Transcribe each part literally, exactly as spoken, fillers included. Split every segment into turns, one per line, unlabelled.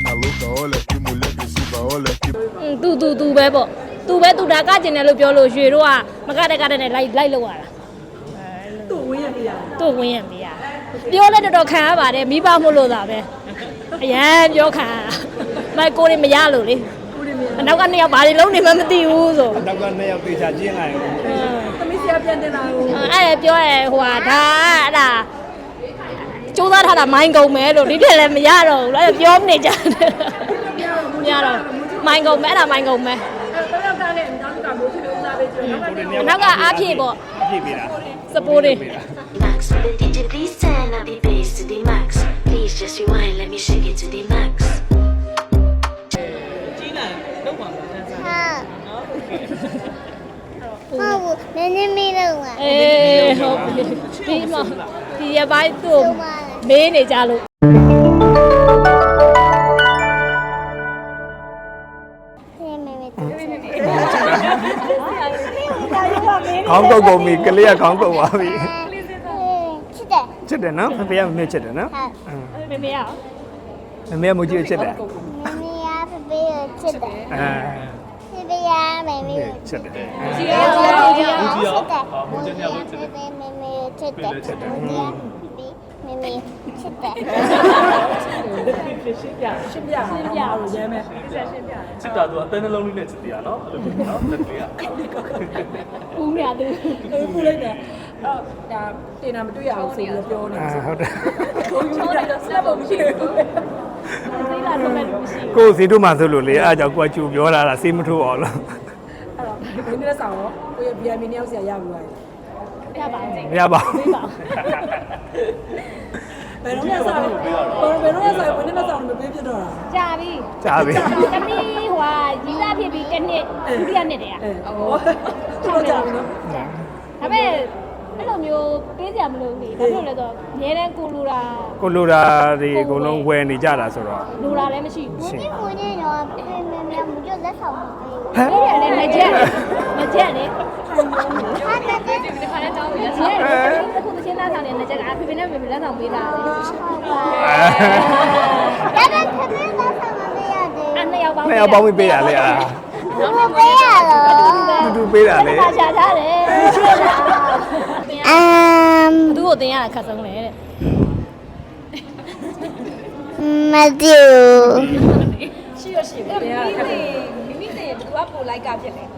maluca, olha que mulher agressiva, olha que
သူသူသူပဲပေါ့သူပဲသူဒါကကျင်တယ်လို့ပြောလို့ရွှေတို့ကမကတဲ့ကတဲ့နဲ့လိုက်လိုက်လောက်ရတာသူ့ဝင်းရပြရသူ့ဝင်းရပြရပြောလဲတော်တော်ခံရပါတယ်မိဘမို့လို့သာပဲအရန်ပြောခံရတာမိုက်ကိုတွေမရလို့လေအနောက်ကနှစ်ယောက်ဘာတွေလုံးနေမှမသိဘူးဆို
နောက်ကနှစ်ယောက်တေချာကျင်းလာရင်
သမီးဆရာပြန်တင်လာကိုအဲ့ဒါပြောရဲဟိုဟာဒါအဲ့ဒါကျိုးသားထားတာမိုင်းကုန်မယ်လို့ဒီထက်လည်းမရတော့ဘူးလားပြောနေကြတယ်မရတော့မိုင်းကုန်မယ်အဲ့ဒါမိုင်းကုန်မယ်တော့ယောက်ကလည်းအနောက်ကတော့ဖြစ်လို့စားပေးကြတယ်နောက်ကအားဖြည့်ပေါ့
အားဖြည့်ပေးတာ
စပိုးတွေ
Max, the D J please turn up the bass to the max. Please just rewind, let me shake it to the max.
ကြီးလာတော့ပါလားဆန်းဆန်း
ဟုတ်ဟုတ်နည်းနည်းမေးတော့ပါ
အေးဟုတ်ပြီဒီမှာဒီရပိုင်းသူ့မေးနေကြလို့
ခေါင်းကုတ်ကုန်ပြီကလေးကခေါင်းကုတ်သွားပြီ
ချစ်တယ်
ချစ်တယ်နော်ဖေဖေကမမေ့ချစ်တယ်နော်
မေမေရအောင်
မမေကမကြီးချစ်တယ်
မမေကဖေဖေကိုချစ်တယ်
အဲ
ဖေဖေကမမေကို
ချစ်တယ်
ကြီးရောကြီးရော
ချစ်တယ်မူကြီးကဖေဖေမမေကိုချစ်တယ်မူကြီးကမမေချစ်တယ်
ရှင်းပြရှင်းပြရှင်းပြလို့ရဲမယ်ရှင်းပြ
ချစ်တာသူအတန်းနှလုံးလေးနဲ့ချစ်တရားနော်အဲ့လိုမျိုးနော်လက်တွေက
ဦးမြသူ
ပူလိုက်တယ်အော်ဒါတင်တာမတွေ့ရအောင်ဆိုပြီးပြောနေတယ်
ဟုတ်တယ်
ကိုယူတာစက်ဖို့မရှိဘူး
သိလာတော့လည်းမရှိဘူး
ကိုစီတို့မှဆိုလို့လေအားကြောင့်ကိုကကျူပြောလာတာစေးမထိုးအောင်လို့
အဲ့တော့ဒီနေ့ဆောင်ရောကိုရဲ့ B I M နှစ်ယောက်ဆရာရပြီလား
ရပါဘူး
မရပါဘူး
ဘယ်တော့မှဆောင်ဘယ်တော့မှဆောင်ဘယ်နဲ့မှဆောင်မပေးဖြစ်တော့တာ
ကြာပြီ
ကြာပြီ
တမီးဟိုဟာရီးသားဖြစ်ပြီးတစ်နှစ်ဒုတိယနှစ်တည်းอ่ะ
ဟောတော်ကြာပြီနော်
ဒါပေမဲ့အဲ့လိုမျိုးပေးစရာမလိုဘူးလေဘာလို့လဲဆိုတော့အများတန်းကိုလူတာ
ကိုလိုတာတွေအကုန်လုံးဝယ်နေကြတာဆိုတော့
လူတာလည်းမရှိဘူး
မူကြီးကိုနေတော့ဖေဖေမမေမူကြီးလက်ဆောင်မပေးဘူး
ဟဲ့ရတယ်ငကြက်ငကြက်လေ
ဟာတက်တယ်
ဒီခါလေးတောင်းပြီးလက်ဆောင်အခုသချင်းသားဆောင်နေငကြက်ကဖေဖေနဲ့မေမေလက်ဆောင်ပေးတာလေ
ဒါပေမဲ့ဖေဖေလက်ဆောင်မပေးရသေး
အဲ့နှစ်ယောက်ပေါင်း
နှစ်ယောက်ပေါင်းပေးရလေအာ
ဘူးပေးရတော့
တူတူပေးတာလေ
ခါချာထားတယ်
အမ်
သူ့ကိုတင်ရတာခက်ဆုံးလေတဲ့
မတူ
ရှိရရှိတယ်မိမိတင်သူကပိုလိုက်ကဖြစ်လေ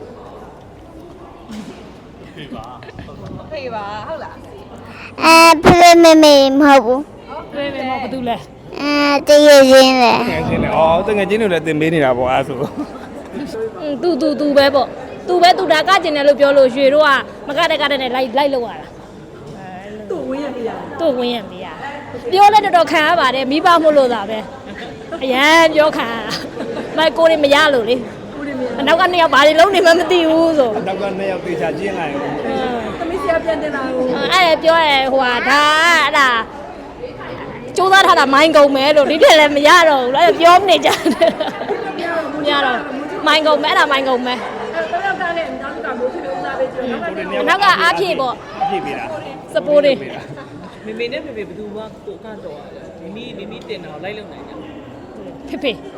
ဖေးပါ
ဖေးပါဟုတ်လား
အဲဖေဖေမမေမဟုတ်ဘူး
ဖေးမေမဟုတ်ဘူးလဲ
အဲတရချင်းလေ
တကယ်ချင်းလေအော်တကယ်ချင်းတွေလည်းတင်ပေးနေတာပေါ့အဲ့ဆို
သူသူသူပဲပေါ့သူပဲသူဒါကကျင်တယ်လို့ပြောလို့ရွှေတို့ကမကတဲ့ကတဲ့နဲ့လိုက်လိုက်လောက်ရတာ
သူ့ဝင်းရပြရ
သူ့ဝင်းရပြရပြောလဲတော်တော်ခံရပါတယ်မိဘမို့လို့သာပဲအရန်ပြောခံရတာမိုက်ကိုတွေမရလို့လေအနောက်ကနှစ်ယောက်ဘာတွေလုံးနေမှမသိဘူးဆို
နောက်ကနှစ်ယောက်တေချာကျင်းလာရင်
သမီးဆရာပြန်တင်လာကို
အဲ့ဒါပြောရဲဟိုဟာဒါအဲ့ဒါကျိုးသားထားတာမိုင်းကုန်မယ်လို့ဒီထက်လည်းမရတော့ဘူးလားပြောနေကြတယ်မရတော့မိုင်းကုန်မယ်အဲ့ဒါမိုင်းကုန်မယ်
တော့ယောက်ကလည်းအနောက်ကတော့ဖြစ်လို့စားပေးကြတယ်
နောက်ကအားဖြည့်ပေါ့
အားဖြည့်ပေးတာ
စပိုးတွေ
မေမေနဲ့ဖေဖေဘယ်သူမှကိုကတော့မိမိမိမိတင်တော့လိုက်လုံနိုင်တယ်
ဖေဖေ
ဘယ်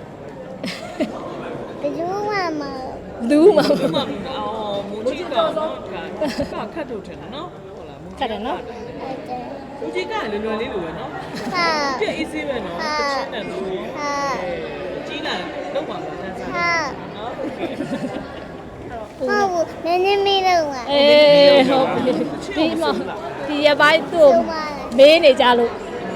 သူမှမ
လူမ
မအော်မူကြီးကတော့ကခတ်ထုတ်တယ်နော်ဟုတ်လားမူကြီး
ခတ်တယ်နော်
မူကြီးကလွယ်လွယ်လေးလိုပဲနော်
ဟာ
ပြည့်အေးဆေးပဲနော်တစ်ချက်နဲ့နော်
ဟာ
ကြီးလာတော့ပါလားဆန်းဆန်း
ဟာ
နော်
ဟုတ်နည်းနည်းမေးတော့ပါ
အေးဟုတ်ပြီဒီမှာဒီရပိုင်းသူ့မေးနေကြလို့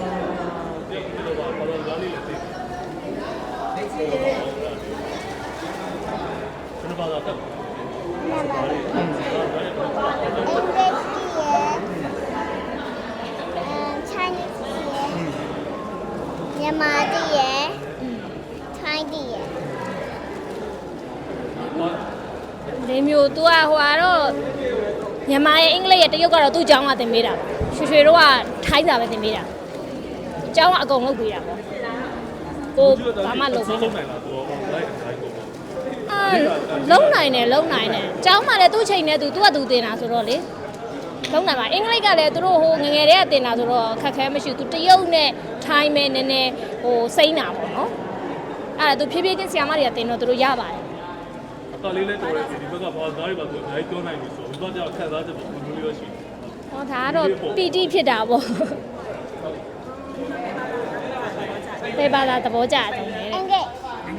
မြန်မာတည်းရယ်ထိုင်းတည်းရယ်
ဒီမျိုး तू อ่ะဟိုကတော့မြန်မာရဲ့အင်္ဂလိပ်ရဲ့တရုတ်ကတော့သူ့အကြောင်းကသင်ပေးတာရွှေရွှေတို့ကထိုင်းစာပဲသင်ပေးတာအကြောင်းကအကုန်လုပ်ပေးတာပေါ့ကိုဘာမှလုပ်ပေး
လုံးနိုင်လားသူကလိုက်လိုက်ကုန်
အာလုံးနိုင်တယ်လုံးနိုင်တယ်အကြောင်းမှလည်းသူ့ချိန်နဲ့သူသူ့ကသူတင်တာဆိုတော့လေလုံးနိုင်ပါအင်္ဂလိပ်ကလည်းသူတို့ဟိုငငယ်တည်းကတင်တာဆိုတော့ခက်ခဲမရှိဘူးသူတရုတ်နဲ့ထိုင်းမဲ့နည်းနည်းဟိုစိမ့်တာပေါ့နော်အဲ့ဒါသူဖြည်းဖြည်းချင်းဆီယာမတွေကတင်တော့သူတို့ရပါတယ်
အကလေးလည်းတော်တယ်ဒီဘက်ကဘာသားတွေပါဆိုအများကြီးပြောနိုင်ပြီဆိုတော့ဒီဘက်ကခံစားချက်ပုံမျိုးလေးရရှိတယ်
ဟောဒါကတော့ပီတိဖြစ်တာပေါ့တေဘာသာသဘောကျတယ်တဲ့
အင်္ဂလိပ်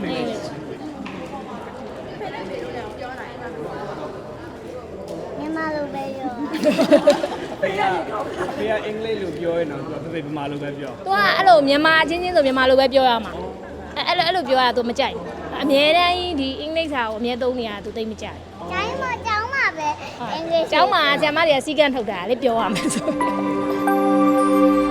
မြန်မာလိုပဲရော
ဖေကဖေကအင်္ဂလိပ်လိုပြောရင်တော့သူဖေဗမာလိုပဲပြော
သူကအဲ့လိုမြန်မာချင်းချင်းဆိုမြန်မာလိုပဲပြောရမှာအဲ့အဲ့လိုအဲ့လိုပြောရတာ तू မကြိုက်ဘူးအမြဲတမ်းဒီအင်္ဂလိပ်စာကိုအမြဲသုံးနေရတာ तू သိမကြိုက်
ကျိုင်းမကျောင်းမှာပဲအင်္ဂလိပ်
ကျောင်းမှာဆရာမတွေကစီကန်းထုတ်တာလေပြောရမယ်ဆို